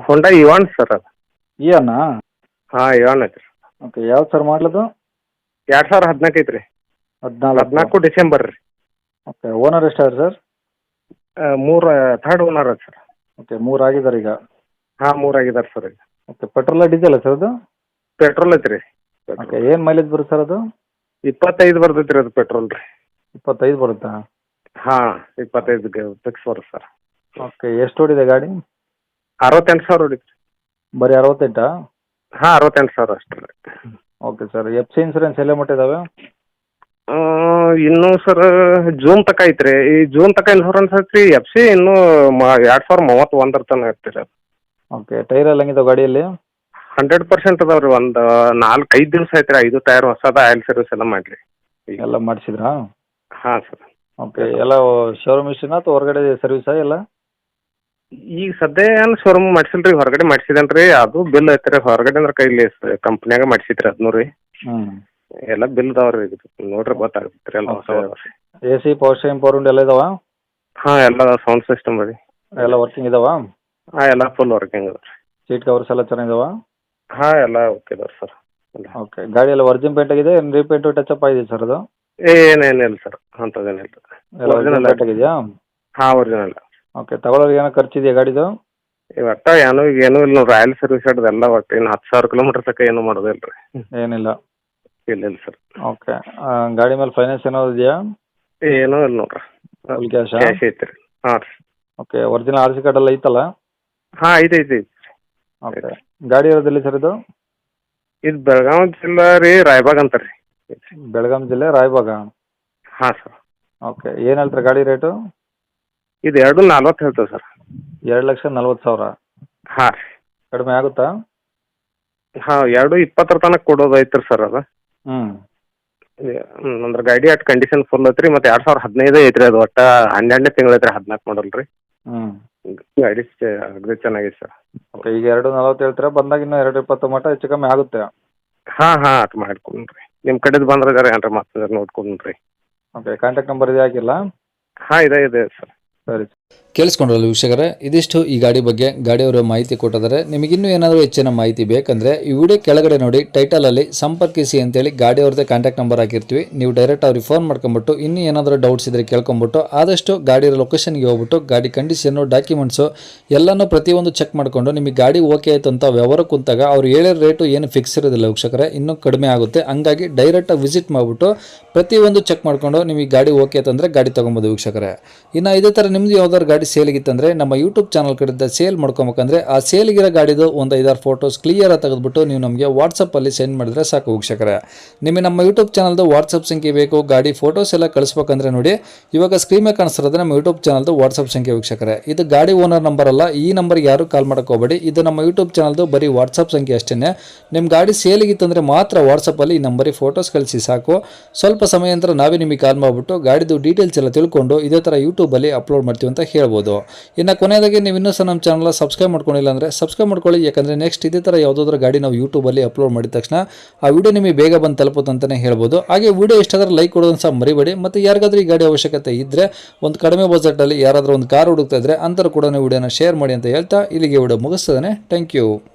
ಹೋಂಡಾ Ivan sir ಅದು. ಇಯನ್ನಾ? ಹಾಂ Ivan ಐತ್ರಿ. ಓಕೆ, ಯಾವ್ದು ಸರ್ ಮಾಡಲದು? 2014 ಐತ್ರಿ. 14 ಡಿಸೆಂಬರ್ ರೀ. ಓಕೆ, ಓನರ್ ಎಷ್ಟಾದ್ರೆ ಸರ್? 3 ಥರ್ಡ್ ಓನರ್ ಅದು ಸರ್. ಓಕೆ, 3 ಆಗಿದ್ದಾರೆ ಈಗ. ಹಾಂ 3 ಆಗಿದ್ದಾರೆ ಸರ್ ಈಗ. ಓಕೆ, ಪೆಟ್ರೋಲ ಡೀಸೆಲ್ ಸರ್ ಅದು? ಪೆಟ್ರೋಲ್ ಐತ್ರಿ. ಓಕೆ, ಏನು ಮೈಲೇಜ್ ಬರುತ್ತೆ ಸರ್ ಅದು? 25 ಬರ್ತೈತ್ರಿ ಅದು ಪೆಟ್ರೋಲ್ ರೀ. 25 ಬರುತ್ತಾ? ಹಾಂ 25 ಫಿಕ್ಸ್ ಬರುತ್ತೆ ಸರ್. ಓಕೆ, ಎಷ್ಟು ಓಡಿದೆ ಗಾಡಿ? 68,000 ಹೊಡಿತ್ರಿ. ಬರೀ 68? ಹಾಂ 68,000 ಅಷ್ಟೇ ರೀ. Okay sir, F C insurance ಎಲ್ಲ ಮಟ್ಟಿದ್ದಾವೆ? ಇನ್ನೂ ಸರ್ ಜೂನ್ ತನಕ ಐತ್ರಿ. ಈ ಜೂನ್ ತನಕ ಇನ್ಶೂರೆನ್ಸ್ ಐತ್ರಿ. ಎಫ್ ಸಿ ಇನ್ನೂ 2031 ತನಕ ಐತ್ರಿ ಅದು. ಓಕೆ, ಟೈರ್ ಎಲ್ಲ ಹೆಂಗಿದಾವೆ ಗಾಡಿಯಲ್ಲಿ? 100% ಅದಾವೆ ರೀ. ಒಂದು 4-5 ದಿವಸ ಐತ್ರಿ. 5 ಟೈರ್ ಹೊಸದ ಆಯಿಲ್ ಸರ್ವಿಸ್ ಎಲ್ಲ ಮಾಡಿರಿ ಎಲ್ಲ ಮಾಡಿಸಿದ್ರಾ? ಹಾಂ ಸರ್. ಓಕೆ, ಎಲ್ಲ ಶೋರೂಮ್ ಇಷ್ಟನಾ ಅಥವಾ ಹೊರಗಡೆ ಸರ್ವಿಸಾ ಎಲ್ಲ? ಈಗ ಸದ್ಯ ಏನು ಶೋರೂಮ್ ಮಾಡಿಸಿಲ್ಲ ರೀ, ಹೊರಗಡೆ ಮಾಡಿಸಿದೇನೆ ರೀ. ಅದು ಬಿಲ್ ಐತ್ರಿ ಹೊರಗಡೆ ಅಂದ್ರೆ ಕೈಲಿ ಕಂಪ್ನ್ಯಾಗ ಮಾಡಿಸಿದ್ರಿ ಅದನ್ನೂ ರೀ. ಹ್ಞೂ, ಎಲ್ಲ ಬಿಲ್ ಅದಾವೆ ರೀ. ನೋಡ್ರಿ ಗೊತ್ತಾಗುತ್ತೆ ರೀ ಎಲ್ಲ ಹೊಸ. A C, power steering, power window ಎಲ್ಲ ಇದಾವ? ಹಾಂ ಎಲ್ಲ ಸೌಂಡ್ ಸಿಸ್ಟಮ್ ರೀ. ಎಲ್ಲ ವರ್ಕಿಂಗ್ ಇದಾವ? ಹಾಂ ಎಲ್ಲ ಫುಲ್ ವರ್ಕಿಂಗ್ ಅದ ರೀ. ಸೀಟ್ ಕವರ್ಸ್ ಎಲ್ಲ ಚೆನ್ನಾಗಿದಾವ? ಹಾಂ ಎಲ್ಲ ಓಕೆ ಅದಾವೆ ಸರ್. ಓಕೆ, ಗಾಡಿ ಎಲ್ಲ ಒರಿಜಿನ್ ಪೇಂಟ್ ಆಗಿದೆ, ಏನು ರೀಪೇಂಟು ಟಚಪ್ ಆಗಿದೆ ಸರ್ ಅದು? ಏನೇನಿಲ್ಲ ಸರ್, ಅಂಥದ್ದೇನಿಲ್ಲ. ಎಲ್ಲ ಒರಿಜಿನಲ್ ಪೇಂಟ್ ಆಗಿದೆಯಾ? ಹಾಂ ಒರಿಜಿನಲ್. ಓಕೆ, ತಗೊಳ್ಳೋರಿಗೆ ಏನೋ ಖರ್ಚಿದೆಯಾ ಗಾಡಿದು? ಒಟ್ಟು ಏನೂ ಇಲ್ಲ ನೋಡ್ರಿ. ಆಯಿಲ್ ಸರ್ವಿಸ್ ಹಿಡ್ದೆಲ್ಲ ಒಟ್ಟು ಇನ್ನು 10,000 ಕಿಲೋಮೀಟರ್ ತನಕ ಏನೂ ಮಾಡೋದಿಲ್ಲ ರೀ. ಏನಿಲ್ಲ? ಇಲ್ಲ ಸರ್. ಓಕೆ, ಗಾಡಿ ಮೇಲೆ ಫೈನಾನ್ಸ್ ಏನಾದ್ರು ಇದೆಯಾ? ಏನೂ ಇಲ್ಲ ನೋಡ್ರಿ. ಫುಲ್ ಕ್ಯಾಶಾ? ಕ್ಯಾಶ್ ಐತೆ ರೀ. ಹಾಂ ರೀ. Okay, original R C card ಎಲ್ಲ ಐತಲ್ಲ? ಹಾಂ ಐತೆ. ಓಕೆ, ಗಾಡಿ ಇರೋದಿಲ್ಲ ಸರ್ ಇದು? ಇದು ಬೆಳಗಾವಿ ಜಿಲ್ಲಾ ರೀ, ರಾಯಬಾಗ್ ಅಂತ ರೀ. ಬೆಳಗಾಂ ಜಿಲ್ಲೆ ರಾಯಬಾಗ? ಹಾಂ ಸರ್. ಓಕೆ, ಏನು ಹೇಳ್ತಾರೆ ಗಾಡಿ ರೇಟು? ಇದು 2,40 ಹೇಳ್ತೇವೆ ಸರ್. 2,40,000? ಹಾಂ ರೀ. ಕಡಿಮೆ ಆಗುತ್ತಾ? ಹಾಂ 2,20 ತನಕ ಕೊಡೋದು ಐತ್ರಿ ಸರ್ ಅದು. ಹ್ಞೂ, ಅಂದ್ರೆ ಗಾಡಿ ಅಟ್ ಕಂಡೀಷನ್ ಫುಲ್ ಐತ್ರಿ. ಮತ್ತು 2015 ಐತ್ರಿ ಅದು. ಒಟ್ಟು 12ನೇ ತಿಂಗಳು ಐತ್ರಿ, 14 ಮಾಡಲ್ ರೀ. ಹ್ಞೂ, ಗಾಡಿ ಅಗದಿ ಚೆನ್ನಾಗೈತೆ ಸರ್. ಓಕೆ, ಈಗ 2,40 ಹೇಳ್ತೀರಾ, ಬಂದಾಗ ಇನ್ನೂ 2,20 ಮಟ್ಟ ಹೆಚ್ಚು ಕಮ್ಮಿ ಆಗುತ್ತೆ? ಹಾಂ ಅಟ್ ಮಾಡ್ಕೊಂಡ್ರಿ. ನಿಮ್ಮ ಕಡೆದು ಬಂದ್ರೆ ಜರ ಏನ್ರ ಮತ್ತೆ ನೋಡ್ಕೊಂಡ್ರಿ. ಓಕೆ, ಕಾಂಟ್ಯಾಕ್ಟ್ ನಂಬರ್ ಇದೆ ಹಾಕಿಲ್ಲ? ಹಾಂ ಇದೆ ಸರ್. ಸರಿ. ಕೇಳಿಸ್ಕೊಂಡ್ರಲ್ಲ ವೀಕ್ಷಕರೇ, ಇದಿಷ್ಟು ಈ ಗಾಡಿ ಬಗ್ಗೆ ಗಾಡಿಯವರ ಮಾಹಿತಿ ಕೊಟ್ಟಿದ್ದಾರೆ. ನಿಮಗಿನ್ನೂ ಏನಾದರೂ ಹೆಚ್ಚಿನ ಮಾಹಿತಿ ಬೇಕಂದರೆ ಈ ವಿಡಿಯೋ ಕೆಳಗಡೆ ನೋಡಿ ಟೈಟಲಲ್ಲಿ ಸಂಪರ್ಕಿಸಿ ಅಂತೇಳಿ ಗಾಡಿಯವ್ರದ್ದೇ ಕಾಂಟ್ಯಾಕ್ಟ್ ನಂಬರ್ ಹಾಕಿರ್ತೀವಿ. ನೀವು ಡೈರೆಕ್ಟ್ ಅವ್ರಿಗೆ ಫೋನ್ ಮಾಡ್ಕೊಂಬಿಟ್ಟು ಇನ್ನೂ ಏನಾದರೂ ಡೌಟ್ಸ್ ಇದ್ದರೆ ಕೇಳ್ಕೊಂಬಿಟ್ಟು ಆದಷ್ಟು ಗಾಡಿಯ ಲೊಕೇಶನ್ಗೆ ಹೋಗ್ಬಿಟ್ಟು ಗಾಡಿ ಕಂಡೀಷನ್ನು, ಡಾಕ್ಯುಮೆಂಟ್ಸು ಎಲ್ಲನೂ ಪ್ರತಿಯೊಂದು ಚೆಕ್ ಮಾಡಿಕೊಂಡು ನಿಮಗೆ ಗಾಡಿ ಓಕೆ ಆಯಿತು ಅಂತ ವ್ಯವಹಾರ ಕುಂತಾಗ ಅವ್ರು ಹೇಳಿರೋ ರೇಟು ಏನು ಫಿಕ್ಸ್ ಇರೋದಿಲ್ಲ ವೀಕ್ಷಕರೇ, ಇನ್ನೂ ಕಡಿಮೆ ಆಗುತ್ತೆ. ಹಂಗಾಗಿ ಡೈರೆಕ್ಟಾಗಿ ವಿಸಿಟ್ ಮಾಡಿಬಿಟ್ಟು ಪ್ರತಿಯೊಂದು ಚೆಕ್ ಮಾಡಿಕೊಂಡು ನಿಮಗೆ ಗಾಡಿ ಓಕೆ ಆಯ್ತಂದರೆ ಗಾಡಿ ತೊಗೊಬೋದು ವೀಕ್ಷಕರೇ. ಇನ್ನು ಇದೇ ಥರ ನಿಮ್ಮದು ಯಾವ್ದಾದ್ರು ಗಾಡಿ ಸೇಲಿಗಿತ್ತಂದರೆ ನಮ್ಮ ಯೂಟ್ಯೂಬ್ ಚಾನಲ್ ಕಡೆಯಿಂದ ಸೇಲ್ ಮಾಡ್ಕೊಬೇಕಂದ್ರೆ ಆ ಸೇಲಿಗಿರೋ ಗಾಡಿದು ಒಂದು 5-6 ಫೋಟೋಸ್ ಕ್ಲಿಯರಾಗಿ ತೆಗೆದುಬಿಟ್ಟು ನೀವು ನಮಗೆ ವಾಟ್ಸಪ್ಪಲ್ಲಿ ಸೆಂಡ್ ಮಾಡಿದ್ರೆ ಸಾಕು ವೀಕ್ಷಕರೇ. ನಿಮಗೆ ನಮ್ಮ ಯೂಟ್ಯೂಬ್ ಚಾನಲ್ದು ವಾಟ್ಸಪ್ ಸಂಖ್ಯೆ ಬೇಕು, ಗಾಡಿ ಫೋಟೋಸ್ ಎಲ್ಲ ಕಳಿಸ್ಬೇಕಂದ್ರೆ ನೋಡಿ ಇವಾಗ ಸ್ಕ್ರೀನ್ ಮೇಲೆ ಕಾಣಿಸ್ತಿರೋದು ನಮ್ಮ ಯೂಟ್ಯೂಬ್ ಚಾನಲ್ದು ವಾಟ್ಸಪ್ ಸಂಖ್ಯೆ ವೀಕ್ಷಕರೇ. ಇದು ಗಾಡಿ ಓನರ್ ನಂಬರ್ ಅಲ್ಲ, ಈ ನಂಬರ್ಗೆ ಯಾರು ಕಾಲ್ ಮಾಡೋಕೆ ಹೋಗಬೇಡಿ. ಇದು ನಮ್ಮ ಯೂಟ್ಯೂಬ್ ಚಾನಲ್ದು ಬರೀ ವಾಟ್ಸಪ್ ಸಂಖ್ಯೆ ಅಷ್ಟೇ. ನಿಮ್ಮ ಗಾಡಿ ಸೇಲಿಗಿತ್ತಂದರೆ ಮಾತ್ರ ವಾಟ್ಸಪ್ಪಲ್ಲಿ ಈ ನಂಬರಿಗೆ ಫೋಟೋಸ್ ಕಳಿಸಿ ಸಾಕು. ಸ್ವಲ್ಪ ಸಮಯ ನಂತರ ನಾವೇ ನಿಮಗೆ ಕಾಲ್ ಮಾಡಿಬಿಟ್ಟು ಗಾಡಿದು ಡೀಟೇಲ್ಸ್ ಎಲ್ಲ ತಿಳ್ಕೊಂಡು ಇದೇ ಥರ ಯೂಟ್ಯೂಬಲ್ಲಿ ಅಪ್ಲೋಡ್ ಮಾಡ್ತೀವಿ ಅಂತ ಹೇಳ್ಬೋದು. ಇನ್ನು ಕೊನೆಯದಾಗಿ ನೀವು ಇನ್ನೂ ಸಹ ನಮ್ಮ ಚಾನಲ್ ಸಬ್ಸ್ಕ್ರೈಬ್ ಮಾಡ್ಕೊಂಡಿಲ್ಲ ಅಂದರೆ ಸಬ್ಸ್ಕ್ರೈಬ್ ಮಾಡ್ಕೊಳ್ಳಿ. ಯಾಕಂದರೆ ನೆಕ್ಸ್ಟ್ ಇದೇ ಥರ ಯಾವುದಾದ್ರೂ ಗಾಡಿ ನಾವು ಯೂಟ್ಯೂಬಲ್ಲಿ ಅಪ್ಲೋಡ್ ಮಾಡಿದ ತಕ್ಷಣ ಆ ವಿಡಿಯೋ ನಿಮಗೆ ಬೇಗ ಬಂದು ತಲುಪುತ್ತೆ ಅಂತಲೇ ಹೇಳ್ಬೋದು. ಹಾಗೆ ವಿಡಿಯೋ ಇಷ್ಟಾದರೆ ಲೈಕ್ ಕೊಡೋದನ್ನು ಸಹ ಮರಿಬೇಡಿ. ಮತ್ತು ಯಾರಿಗಾದ್ರೂ ಈ ಗಾಡಿ ಅವಶ್ಯಕತೆ ಇದ್ದರೆ ಒಂದು ಕಡಿಮೆ ಬಜೆಟಲ್ಲಿ ಯಾರಾದರೂ ಒಂದು ಕಾರ್ ಹುಡುಕ್ತಾ ಇದ್ದರೆ ಅಂಥವ್ರು ಕೂಡ ವಿಡಿಯೋನ ಶೇರ್ ಮಾಡಿ ಅಂತ ಹೇಳ್ತಾ ಇಲ್ಲಿಗೆ ವಿಡಿಯೋ ಮುಗಿಸ್ತದೆ. Thank you.